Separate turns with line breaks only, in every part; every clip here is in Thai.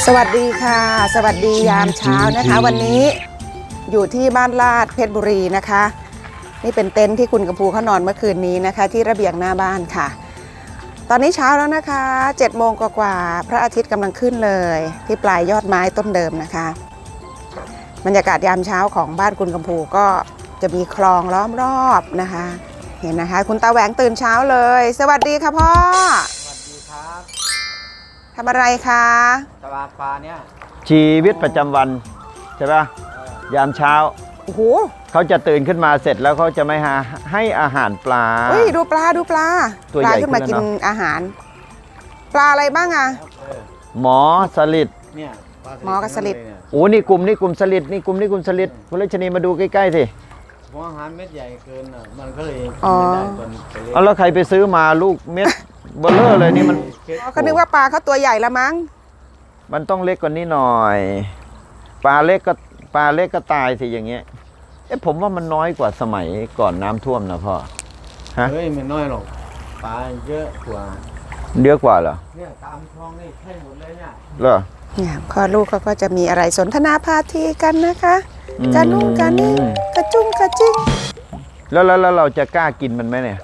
สวัสดีค่ะสวัสดียามเช้านะคะวันนี้อยู่ที่บ้านลาดเพชรบุรีนะคะนี่เป็นเต็นท์ที่คุณกำพูเขานอนเมื่อคืนนี้นะคะที่ระเบียงหน้าบ้านค่ะตอนนี้เช้าแล้วนะคะ7 โมงกว่าพระอาทิตย์กำลังขึ้นเลยที่ปลายยอดไม้ต้นเดิมนะคะบรรยากาศยามเช้าของบ้านคุณกำพูก็จะมีคลองล้อมรอบนะคะเห็นนะคะคุณตาแหวงตื่นเช้าเลยสวัสดีค่ะพ่อ
สวัสดีครับ
ทำอะไรคะ
ตลาดปลาเนี่ย
ชีวิตประจำวันใช่ปะยามเช้า
โอ้โห
เขาจะตื่นขึ้นมาเสร็จแล้วเขาจะไม่ให้อาหารปลา
ดูปลา
ตัวใหญ่
ขึ้นมากินอาหารปลาอะไรบ้างอะ
หมอสลิด
เนี่ย
หมอกับสลิด
โอ้นี่กลุ่มสลิดนี่กลุ่มสลิดคุณรัชนีมาดูใกล้ๆสิ
หัวอาหารเม็ดใหญ่เกินอ่ะมันก็เลยไม่ได้ตอน
เอาแล้วใครไปซื้อมาลูกเม็ดเบลเลอร์เลยนี่มัน
เขานึกว่าปลาเขาตัวใหญ่ละมั้ง
มันต้องเล็กกว่านี้หน่อยปลาเล็กก็ตายสิอย่างเงี้ยผมว่ามันน้อยกว่าสมัยก่อนน้ำท่วมนะพ่อ
ฮะเฮ้ยไม่น้อยหรอกปลาเยอะกว่า
เหรอ
เนี่ยตามคลองนี่ใช่หมดเลยเนี่ย
เหรอ
เนี่ยพ่อลูกเขาก็จะมีอะไรสนทนาพาทีกันนะคะการนุ่งการนิ่งกระจุ้งกระจิ้ง
แล้วเราจะกล้ากินมันไหมเนี่ย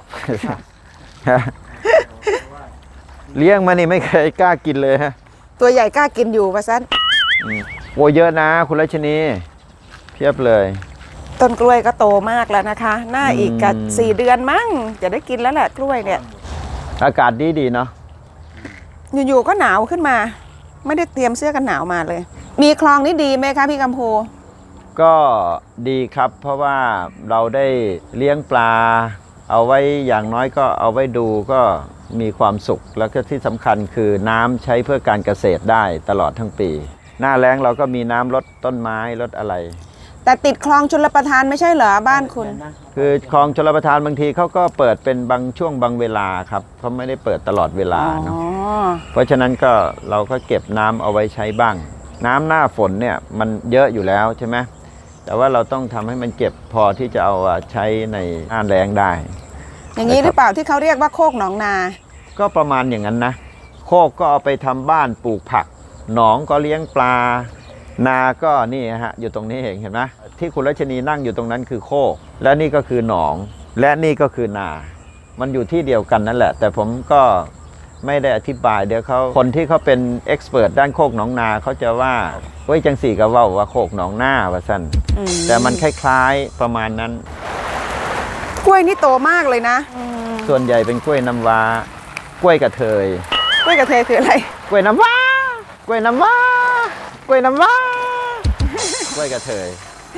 เลี้ยงมานี่ไม่เคยกล้ากินเลยฮะ
ตัวใหญ่กล้ากินอยู่ว่าซั่น
โอ้เยอะนะคุณรัชนีเพียบเลย
ต้นกล้วยก็โตมากแล้วนะคะน่าอีกกับ4 เดือนมั้งจะได้กินแล้วแหละกล้วยเนี่ย
อากาศดีเนาะ
อยู่ๆก็หนาวขึ้นมาไม่ได้เตรียมเสื้อกันหนาวมาเลยมีคลองนี่ดีไหมคะพี่กำพู
ก็ดีครับเพราะว่าเราได้เลี้ยงปลาเอาไว้อย่างน้อยก็เอาไว้ดูก็มีความสุขแล้วก็ที่สำคัญคือน้ำใช้เพื่อการเกษตรได้ตลอดทั้งปีหน้าแล้งเราก็มีน้ำลดต้นไม้ลดอะไร
แต่ติดคลองชลประทานไม่ใช่เหรอบ้านคุณ
คือคลองชลประทานบางทีเขาก็เปิดเป็นบางช่วงบางเวลาครับเขาไม่ได้เปิดตลอดเวลาเนาะเพราะฉะนั้นก็เราก็เก็บน้ำเอาไว้ใช้บ้างน้ำหน้าฝนเนี่ยมันเยอะอยู่แล้วใช่ไหมแต่ว่าเราต้องทำให้มันเก็บพอที่จะเอาใช้ในหน้าแล้งได้
อย่างนี้หรือเปล่าที่เขาเรียกว่าโคกหนองนา
ก็ประมาณอย่างนั้นนะโคกก็เอาไปทำบ้านปลูกผักหนองก็เลี้ยงปลานาก็นี่ฮะอยู่ตรงนี้เห็นไหมที่คุณรัชนีนั่งอยู่ตรงนั้นคือโคกและนี่ก็คือหนองและนี่ก็คือนามันอยู่ที่เดียวกันนั่นแหละแต่ผมก็ไม่ได้อธิบายเดี๋ยวเขาคนที่เขาเป็นเอ็กซ์เพรสด้านโคกหนองนาเขาจะว่าเฮ้ยจังสี่ก็ว่าโคกหนองนาว่าสั้นแต่มันคล้ายๆประมาณนั้น
กล้วยนี่โตมากเลยนะ
ส่วนใหญ่เป็นกล้วยน้ำว้ากล้วยกระเทย
กล้วยกระเทยคืออะไร
กล้วยน้ำว้ากล้วยน้ำว้ากล้วยน้ำว้ากล้วยกระเทย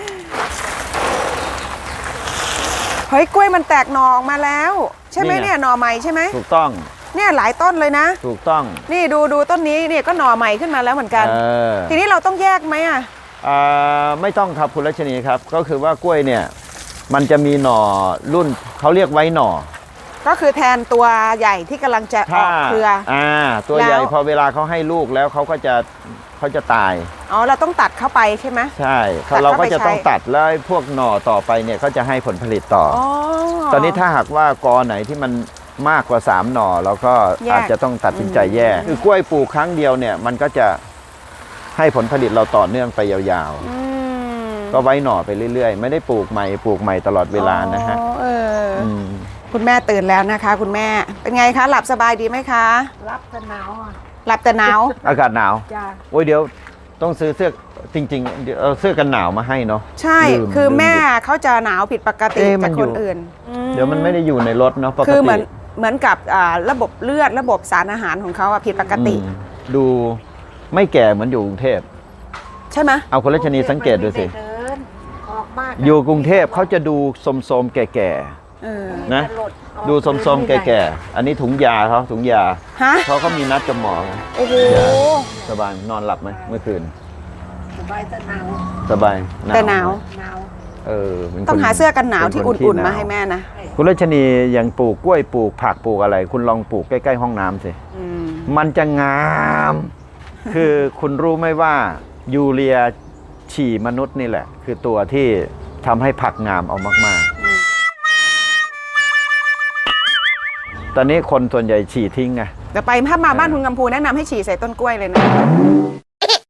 เฮ้ยกล้วยมันแตกหน่อออกมาแล้วใช่ไหมเนี่ยหน่อใหม่ใช่ไหม
ถูกต้อง
เนี่ยหลายต้นเลยนะ
ถูกต้อง
นี่ดูต้นนี้เนี่ยก็หน่อใหม่ขึ้นมาแล้วเหมือนกันทีนี้เราต้องแยกไหมอ่ะ
ไม่ต้องครับคุณรัชนีครับก็คือว่ากล้วยเนี่ยมันจะมีหน่อรุ่นเขาเรียกไว้หน่อ
ก็คือแทนตัวใหญ่ที่กำลังจะออกเครือ
ตัวใหญ่พอเวลาเขาให้ลูกแล้วเขาจะตาย
อ๋อเราต้องตัดเข้าไปใช่ไหม
ใช่เราก็จะต้องตัดแล้วพวกหน่อต่อไปเนี่ยเขาจะให้ผลผลิตต่อตอนนี้ถ้าหากว่ากอไหนที่มันมากกว่า3 หน่อเราก็อาจจะต้องตัดสินใจแยกคือกล้วยปลูกครั้งเดียวเนี่ยมันก็จะให้ผลผลิตเราต่อเนื่องไปยาวๆก็ไว้หน่อไปเรื่อยๆไม่ได้ปลูกใหม่ตลอดเวลานะฮะ
คุณแม่ตื่นแล้วนะคะคุณแม่เป็นไงคะหลับสบายดีไหมคะ
หลับแต่หนาว
หลับแต่หนาว
อากาศหนาวโอ้ยเดี๋ยวต้องซื้อเสื้อจริงๆเดี๋ยวเอาเสื้อกันหนาวมาให้เนาะ
ใช่คือแม่เขาจะหนาวผิดปกติจากคนอื่น
เดี๋ยวมันไม่ได้อยู่ในรถเนาะปกติ
คือเหมือนกับระบบเลือดระบบสารอาหารของเขาผิดปกติ
ดูไม่แก่เหมือนอยู่กรุงเทพ
ใช่ไหม
เอาคุณรัชนีสังเกตดูสิอยู่กรุงเทพเขาจะดูสมๆแก่ๆนะดูสมๆแก่ๆอันนี้ถุงยาเขาถุงยาเขามีนัดกับหมอ
โอ้โห
สบายนอนหลับไหมเมื่อคืน
สบายแต่หนาว
สบาย
แต่หนาวต้องหาเสื้อกันหนาวที่อุ่นๆมาให้แม่นะ
คุณรัชนียังปลูกกล้วยปลูกผักปลูกอะไรคุณลองปลูกใกล้ๆห้องน้ำสิมันจะงามคือคุณรู้ไหมว่ายูเรียฉี่มนุษย์นี่แหละคือตัวที่ทำให้ผักงามเอามากๆตอนนี้คนส่วนใหญ่ฉี่ทิ้งไง
แต่ไปถ้ามาบ้านคุณกำพูแนะนำให้ฉี่ใส่ต้นกล้วยเลยนะ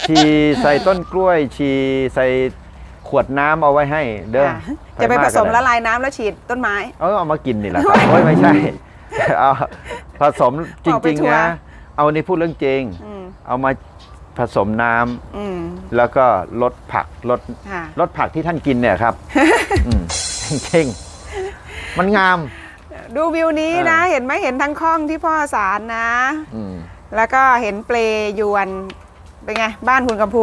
ฉี่ใส่ต้นกล้วยฉี่ใส่ขวดน้ำเอาไว้ให้เด้อ
ค่ะจะไปผสมละลายน้ำแล้วฉีดต้นไม้
เอามากินนี่แหละครับโอ้ยไม่ใช่ เอาผสมจ
ออกไป
ริง
ทัว
ๆ
ร์
นะเอานี่พูดเรื่องจริง
อืม
เอามาผสมน้ำ
อืม
แล้วก็ลดผักลด
ค่ะ
ลดผักที่ท่านกินเนี่ยครับ อืมจริงๆมันงาม
ดูวิวนี้นะ เห็นไหมเห็นทั้งคลองที่พ่อสารนะ
อืม
แล้วก็เห็นเปลยวนเป็นไง บ้านคุณกัมพู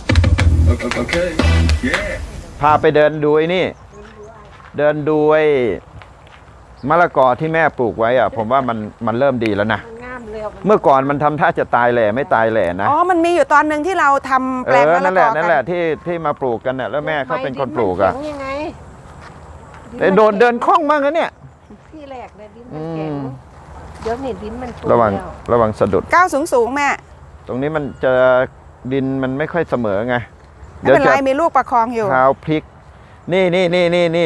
Okay. Yeah.
พาไปเดินดูไอ้นี่ เดินดูไอ้มะละกอที่แม่ปลูกไว้อะผมว่ามันเริ่มดีแล้วนะ
มันงามเร็ว
เมื่อก่อนมันทำท่าจะตายแหล่ไม่ตายแหล่นะ
อ๋อ มันมีอยู่ตอนหนึ่งที่เราทำแปลงมะละ
นั่น
ก
แห
อ
ละ
กั
นั่นแหละที่มาปลูกกันเนี่ยแล้วแม่เขาเป็นคนปลูกอะ
ดินมันแข็งยังไง
แต่โดนเดินคล่องมากนะเนี่ย
ที่แรกเลยดินมันแข็งเดี๋ยวนี่ดินมันฟู
ระวัง
แล้ว
ระวังสะดุด
ก้าวสูงแม่
ตรงนี้มันจะดินมันไม่ค่อยเสมอไง
ไม่เป็นไรมีลูกประคองอยู่
เท้าพลิก นี่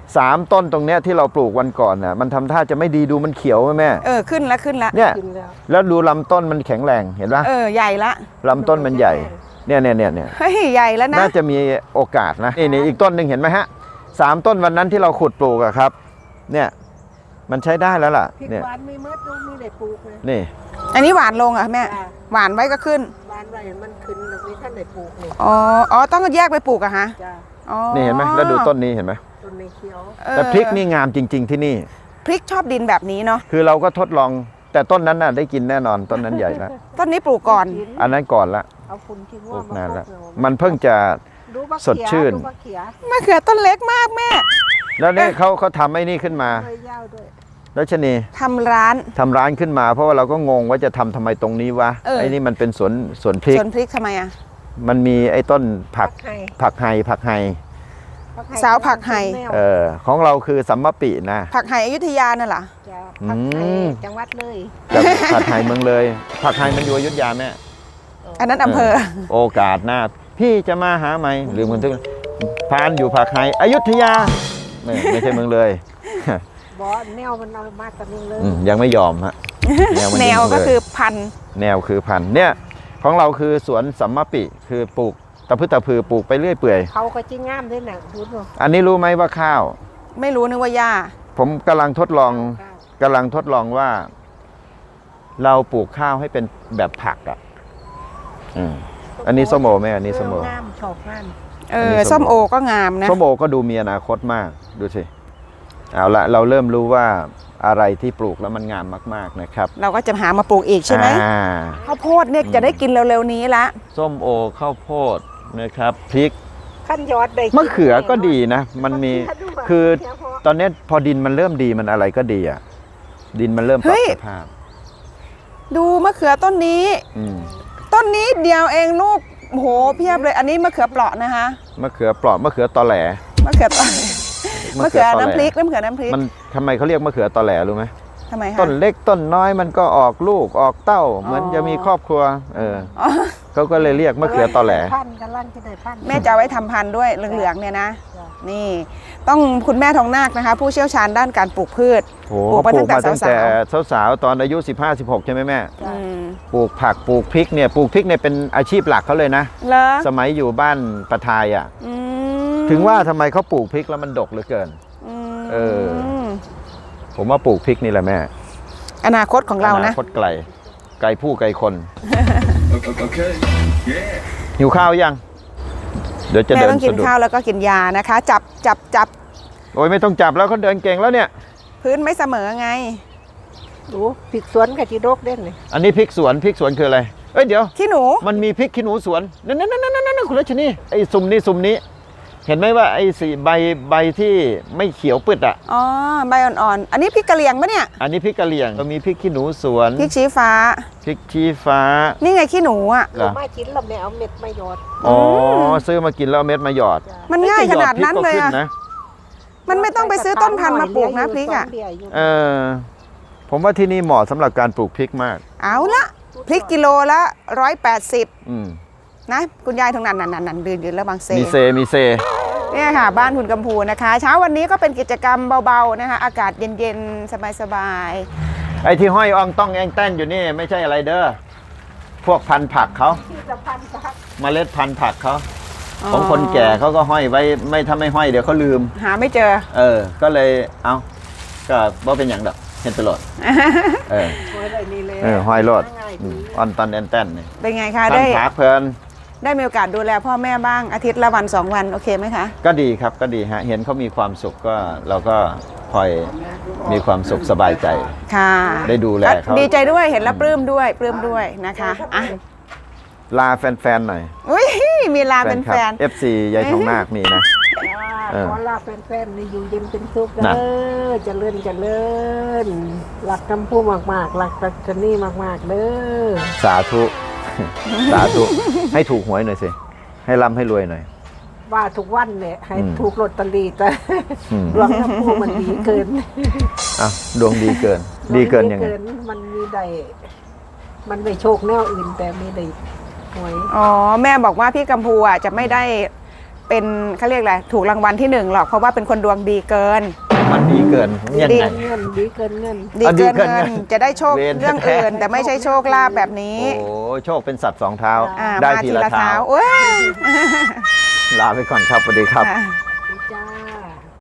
3 ต้นตรงเนี้ยที่เราปลูกวันก่อนน่ะมันทำท่าจะไม่ดีดูมันเขียวไหมแม่
ขึ้นแล้วขึ้นแล้ว
เนี่ย
กินแล้ว
แล้วดูลำต้นมันแข็งแรงเห็นปะ
ใหญ่ละ
ลำต้นมันใหญ่เนี่ย
เฮ้ยใหญ่แล้วนะ
น่าจะมีโอกาสนะนี่อีกต้นหนึ่งเห็นไหมฮะ3 ต้นวันนั้นที่เราขุดปลูกอะครับ เนี่ยมันใช้ได้แล้วล่ะ
พริก
เนี่ย
หวานไม่มืดดูมีได้ปลูกเลย
นี่
อันนี้หวานลงเหรอ่ะแม่
จ้ะ
หวานไว้ก็ขึ้น
หวานไว้มันขึ้นแล้วมีท่านได้ปลูกเลย
อ๋อต้องแยกไปปลูกอะฮะ
จ้า
อ๋อ
นี่เห็นไหมแล้วดูต้นนี้เห็นไหม
ต้นในเขียว
แต่พริกนี่งามจริง ๆที่นี่
พริกชอบดินแบบนี้เนาะ
คือเราก็ทดลองแต่ต้นนั้นน่ะได้กินแน่นอนต้นนั้นใหญ่แล้ว
ต้นนี้ปลูกก่อน
อันนั้นก่อนละ
เอาฝุ่นทิ้ง
ปลู
ว่าก
นาน
มา
แล้ว
พก
มันเพิ่งจะ
ดูบัก
สดชื่น
ดูบักเขีย
มะเขือต้นเล็กมากแม่
แล้วเนี่ยเขาทำไอ้นี่ขึ้นมา
ใบยาวด้วย
รัชนี
ทำร้าน
ทำร้านขึ้นมา เพราะว่าเราก็งงว่าจะทำทำไมตรงนี้วะ ไอ้นี่มันเป็นสวนพริก
สวนพริกทำไมอะ
มันมีไอ้ต้นผัก
ไห่
ผักไฮ
สาวผักไห่
ของเราคือสัมมปินะ
ผักไห่อยุธยานั่นเหรอ
จ้าผักไห่
อืม
จังหวัดเลย
แต่ผักไฮเมืองเลย ผักไฮมันอยู่อยุธยาแม่
อันนั้นอำเภอ
โอกาสหน้าพี่จะมาหาไหมหรือมันถึงพานอยู่ผักไฮอยุธยาไม่ใช่เมืองเลย
บอแนวมันเอามาตะนึงเลย
ยังไม่ยอมฮะมัน
แน
ยัง
วก็
เลย
คือพันธุ์
แนวคือพันธุ์เนี่ยของเราคือสวนสัมมปิคือปลูกตะพืชตะพือปลูกไปเรื่อยเปื่อย
เขาก็จิ้งงามด้วยนะดูดู
อันนี้รู้ไหมว่าข้าว
ไม่รู้นึกว่าหญ้า
ผมกำลังทดลองว่า เราปลูกข้าวให้เป็นแบบผักอ่ะอันนี้ส้มโอไหมอันนี้ส้มโอ
งามชอบงาม
อันนี้ส้
ส้
ม
ม
โอ
โอก็งามนะ
ส้มโอก็ดูมีอนาคตมากดูสิเอาละเราเริ่มรู้ว่าอะไรที่ปลูกแล้วมันงามมากๆนะครับ
เราก็จะหามาปลูกอีกใช่ไหม
อ่า
ข้าวโพดเนี่ยจะได้กินเร็วๆนี้ละ
ส้มโอข้าวโพดนะครับพริก
ขั้นยอดได้กิน
มะเขือก็ดีนะ มันมี
มะเขืดู
คือ
เขียวพอ
ตอนนี้พอดินมันเริ่มดีมันอะไรก็ดีอ่ะ ดินมันเริ่มปรับสภาพ
ดูมะเขือต้นนี้
อืม
ต้นนี้เดียวเองลูกโอ้โหเพียบเลย อันนี้มะเขือเปราะนะคะ
มะเขือเปราะมะเขือตอแหล
มะเขือเปราะมะเขือ
ตอแหล
น้ำพริกน้ำเขือน้ำพริก
มันทำไมเขาเรียกมะเขือตอแหลรู้ไหม
ทำไมคะ
ต้นเล็กต้นน้อยมันก็ออกลูกออกเต้า เหมือนจะมีครอบครัว
อ๋อ
เขาก็เลยเรียกมะเขือตอแหล
พันกันลั่นที่ไหนพัน
แม่จะเอาไว้ทำพันธุ์ด้วยเหลืองๆเนี่ยนะ
จ้ะ
นี่ต้องคุณแม่ทองนาคนะคะ ผู้เชี่ยวชาญด้านการปลูกพืช
โอ้
ปลูกมา
ปลู
ตั้
ก
งแต่
มาตั้งแต่สาวๆตอนอายุ 15-16 ใช่ไหมแม่
อืม
ปลูกผักปลูกพริกเนี่ยปลูกพริกเนี่ยเป็นอาชีพหลักเขาเลยนะ
เหรอ
สมัยอยู่บ้านประทายอ่ะ
อืม
ถึงว่าทำไมเขาปลูกพริกแล้วมันดกเหลือเกิน
ม
เออ ผมว่าปลูกพริกนี่แหละแม่
อนาคตของเรา
อ
นะ
นาคตไกลไกลผู้ไกลคน
Okay. Yeah.
หิวข้าวยัง เดี๋ยวจะ
แม่
เดิน
ต้องกิน
สะดุด
ข้าวแล้วก็กินยานะคะ จับ
โอ้ยไม่ต้องจับแล้วเขาเดินเก่งแล้วเนี่ย
พื้นไม่เสมอไง
ดูผิดสวนกับจีโดกเด่นเลย
อันนี้พริกสวนคืออะไรเอ้ยเดี๋ยว
ขี้หนู
มันมีพริกขี้หนูสวนนั่นคุณรัชนีไอ้ซุ่มนี้ เห็นไหมว่าไอ้สีใบที่ไม่เขียวปึดอ่ะ
อ๋อใบอ่อนๆ อันนี้พริกกะเหรี่ยงปะเนี่ย
อันนี้พริกกะเหรี่ยงก็มีพริกขี้หนูสวน
พริกชี้ฟ้า
พริกชี้ฟ้า
นี่ไงขี้หนูอ่ะ
เหรอ
มาชิ้นเราไม่เอาเม็ดมาหยอด
อ๋อซื้อมากินแล้วเอาเม็ดมาหยอด
มันง่ายขนาดนั้นเลย
หอดพริกก็ขึ้
อะ
นะ
มันไม่ต้องไปซื้อต้นพันธุ์มาปลูกนะพริกอ่ะ
เออผมว่าที่นี่เหมาะสำหรับการปลูกพริกมาก
เอาละพริกกิโลละ180
อืม
นะคุณยายทางนั้นยืนแล้วบางเซ
มีเซ
เนี่ยค่ะ บ้านคุณกัมพูนะคะ เช้าวันนี้ก็เป็นกิจกรรมเบาๆนะคะอากาศเย็นๆ สบาย
ไอ้ที่ห้อยอ่องต้องแองแต้นอยู่นี่ไม่ใช่อะไรเด้อพวกพันธุ์ผักเขา
ที่จะพันพัก
เมล็ดพันธุ์ผักเขาของคนแก่เขาก็ห้อยไว้ไม่ถ้าไม่ห้อยเดี๋ยวเขาลืม
หาไม่เจอ
ก็เลยเอาก็บ่เป็นอย่างดอกเห็นตลอดเออ
โอ้ยได้นี่เลย
ห้อยรอด
ง่าย
อื
ดี
มอ่อนตอนแอนๆนี่
เป็นไงคะ
พัน
ได้
ธุ์ผักเพลิน
ได้มีโอกาสดูแลพ่อแม่บ้างอาทิตย์ละวัน2 วันโอเคไหมคะ
ก็ดีครับก็ดีฮะเห็นเขามีความสุขก็เราก็พลอยมีความสุขสบายใจ
ค่ะ
ได้ดูแลเขา
ดีใจด้วยเห็นแล้วปลื้มด้วยนะคะอ่ะ
ลาแฟนๆหน่อย
อุ้ยมีลาเป็น
คลั
แฟน
FC ยายทองนาคมีนะ
ขอลาแฟนๆในอยู่เย็นเป็นสุข
น่ะ
เด้อเจริญเจริญรักคำพูดมากๆรักตักนี่มากๆเด้อ
สาธุ สาธุ ให้ถูกหวยหน่อยสิ ให้ร่ำให้รวยหน่อย
ว่าทุกวันเนี่ยให้
อืม
ถูกลอตเตอรี่แต่
อืม
ดวงคำพูดมันดีเกิน
อ่ะดวงดีเกิน ดีเกินยังไง
มันมีได้มันไม่โชคแนวอื่นแต่มีได้หวย
อ๋อแม่บอกว่าพี่กัมพูอ่ะจะไม่ได้เป็นเขาเรียกอะไรถูกรางวัลที่1หรอกเพราะว่าเป็นคนดวงดีเกิน
มันดีเกินยังไง
เงินดีเกินเงิน
ดีเกิน
ดีเกิน
เงิน
เงิน
จะได้โชค
เวร
เรื่องอื่น แต่ไม่ใช่โชคลาภแบบนี้
โอ้โชคเป็นสัตว์สองเท้า
อ่า
ได้
มา
ทีละเท้า
โอ้ย
ลาไปก่อนครับสวัสดีครับ
ค่ะ
จ้า